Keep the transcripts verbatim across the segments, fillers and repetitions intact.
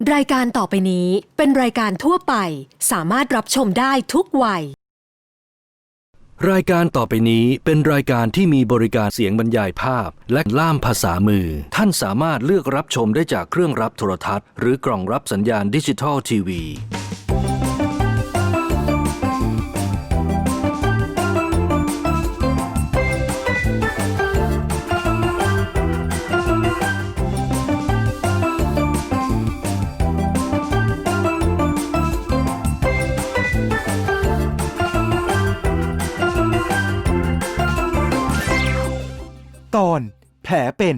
รายการต่อไปนี้เป็นรายการทั่วไปสามารถรับชมได้ทุกวัยรายการต่อไปนี้เป็นรายการที่มีบริการเสียงบรรยายภาพและล่ามภาษามือท่านสามารถเลือกรับชมได้จากเครื่องรับโทรทัศน์หรือกล่องรับสัญญาณดิจิทัลทีวีตอนแผลเป็น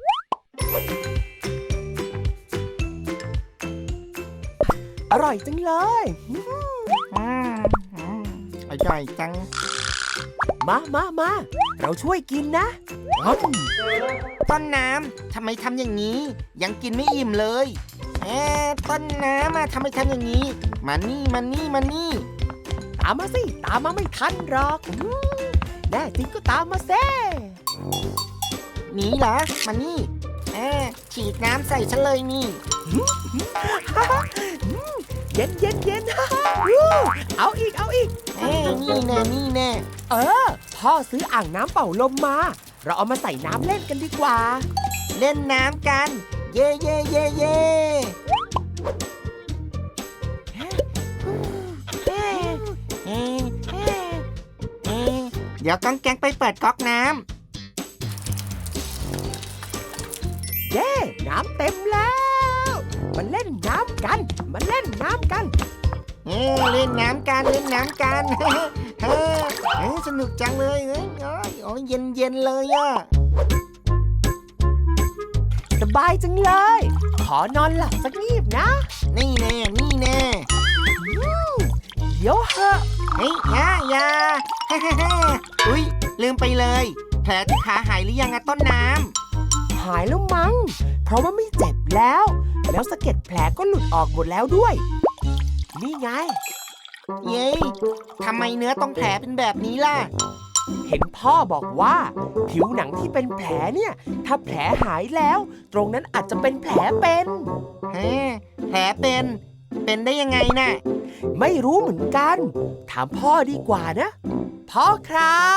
อร่อยจังเลยอืมอืมอร่อยจังมามามาเราช่วยกินนะอืมต้นน้ำทำไมทำอย่างนี้ ยังกินไม่อิ่มเลยเอ๊ะต้นน้ำอะทำไมทำอย่างนี้มานี่มานี่มานี่ตามมาสิตามมาไม่ทันหรอกอืมแน่จริงก็ตามมาเซ่หนีเหรอมานี่เอ๊ะฉีดน้ำใส่ฉันเลยนี่เย็นเย็นเย็น เอาอีกเอาอีกเอ๊ะนี่แน่นี่แน่เออพ่อซื้ออ่างน้ำเป่าลมมา เราเอามาใส่น้ำเล่นกันดีกว่าเล่นน้ำกัน เย่เย่เย่เย่เอ๊ะเอ๊ะเอ๊ะเอ๊ะเดี๋ยวก้องแก๊งไปเปิดก๊อกน้ำเย้น้ำเต็มแล้วมาเล่นน้ำกันมาเล่นน้ำกันเอ้ยเล่นน้ำกันเล่นน้ำกัน เฮ้ยเฮ้ยสนุกจังเลยเอ้ยโอ้ยโอ้ยเย็นเย็นเลยอะสบายจังเลย ขอนอนหลับสักงีบนะนี่แน่นี่แน่เดี๋ยวเหอะเฮ้ยอยาอยา อุ้ยลืมไปเลย แผลที่ขาหายหรือยังอะต้นน้หายแล้วมั้ง เพราะว่าไม่เจ็บแล้ว แล้วสะเก็ดแผลก็หลุดออกหมดแล้วด้วย นี่ไงำเย้ยทำไมเนื้อตรงแผลเป็นแบบนี้ล่ะเห็นพ่อบอกว่า ผิวหนังที่เป็นแผลเนี่ย ถ้าแผลหายแล้ว ตรงนั้นอาจจะเป็นแผลเป็นฮะแผลเป็น เป็นได้ยังไงน่ะไม่รู้เหมือนกัน ถามพ่อดีกว่านะ พ่อครับ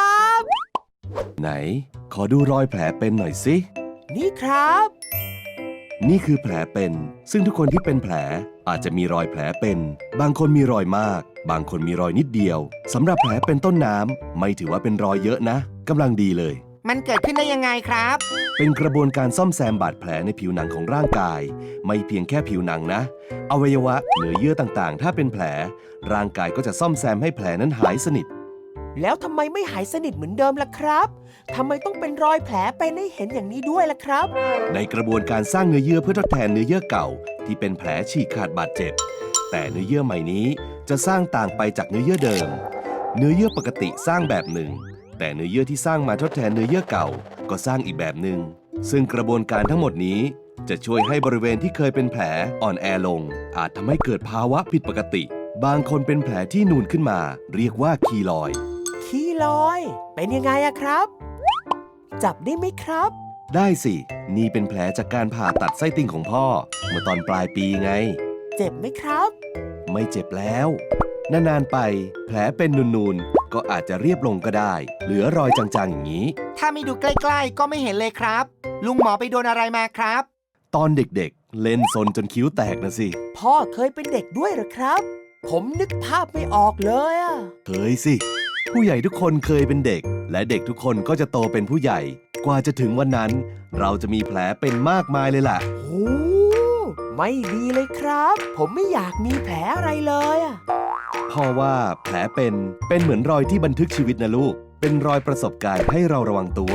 ไหน ขอดูรอยแผลเป็นหน่อยสินี่ครับนี่คือแผลเป็น ซึ่งทุกคนที่เป็นแผลอาจจะมีรอยแผลเป็น บางคนมีรอยมาก บางคนมีรอยนิดเดียวสำหรับแผลเป็นต้นน้ำไม่ถือว่าเป็นรอยเยอะนะกำลังดีเลยมันเกิดขึ้นได้ยังไงครับเป็นกระบวนการซ่อมแซมบาดแผลในผิวหนังของร่างกาย ไม่เพียงแค่ผิวหนังนะอวัยวะเนื้อเยื่อต่างๆ ถ้าเป็นแผล ร่างกายก็จะซ่อมแซมให้แผลนั้นหายสนิทแล้วทำไมไม่หายสนิทเหมือนเดิมล่ะครับทำไมต้องเป็นรอยแผลเป็นให้เห็นอย่างนี้ด้วยล่ะครับในกระบวนการสร้างเนื้อเยื่อเพื่อทดแทนเนื้อเยื่อเก่า ที่เป็นแผลฉีกขาดบาดเจ็บ แต่เนื้อเยื่อใหม่นี้จะสร้างต่างไปจากเนื้อเยื่อเดิม เนื้อเยื่อปกติสร้างแบบหนึ่ง แต่เนื้อเยื่อที่สร้างมาทดแทนเนื้อเยื่อเก่า ก็สร้างอีกแบบหนึ่งซึ่งกระบวนการทั้งหมดนี้ จะช่วยให้บริเวณที่เคยเป็นแผลอ่อนแอลง อาจทำให้เกิดภาวะผิดปกติ บางคนเป็นแผลที่นูนขึ้นมา เรียกว่าคีลอยด์ขี้ลอย เป็นยังไงอะครับ จับได้ไหมครับได้สิ นี่เป็นแผลจากการผ่าตัดไส้ติ่งของพ่อ เมื่อตอนปลายปีไงเจ็บไหมครับไม่เจ็บแล้ว นานๆไป แผลเป็นนูนๆ ก็อาจจะเรียบลงก็ได้ เหลือรอยจางๆอย่างนี้ถ้าไม่ดูใกล้ๆ ก็ไม่เห็นเลยครับ ลุงหมอไปโดนอะไรมาครับตอนเด็กๆ เล่นซนจนคิ้วแตกนะสิพ่อเคยเป็นเด็กด้วยเหรอครับ ผมนึกภาพไม่ออกเลยอะเคยสิ ผู้ใหญ่ทุกคนเคยเป็นเด็ก และเด็กทุกคนก็จะโตเป็นผู้ใหญ่ กว่าจะถึงวันนั้น เราจะมีแผลเป็นมากมายเลยล่ะโอ้ไม่ดีเลยครับ ผมไม่อยากมีแผลอะไรเลยอะพ่อว่าแผลเป็นเป็นเหมือนรอยที่บันทึกชีวิตนะลูก เป็นรอยประสบการณ์ให้เราระวังตัว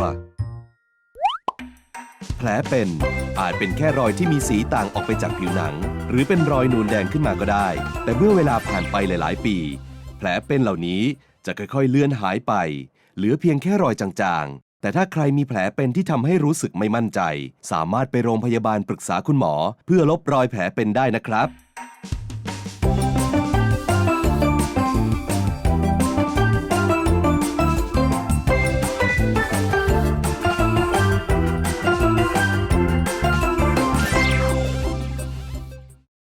แผลเป็นอาจเป็นแค่รอยที่มีสีต่างออกไปจากผิวหนัง หรือเป็นรอยนูนแดงขึ้นมาก็ได้ แต่เมื่อเวลาผ่านไปหลายๆ ปี แผลเป็นเหล่านี้จะค่อยๆเลือนหายไป เหลือเพียงแค่รอยจางๆ แต่ถ้าใครมีแผลเป็นที่ทำให้รู้สึกไม่มั่นใจ สามารถไปโรงพยาบาลปรึกษาคุณหมอ เพื่อลบรอยแผลเป็นได้นะครับ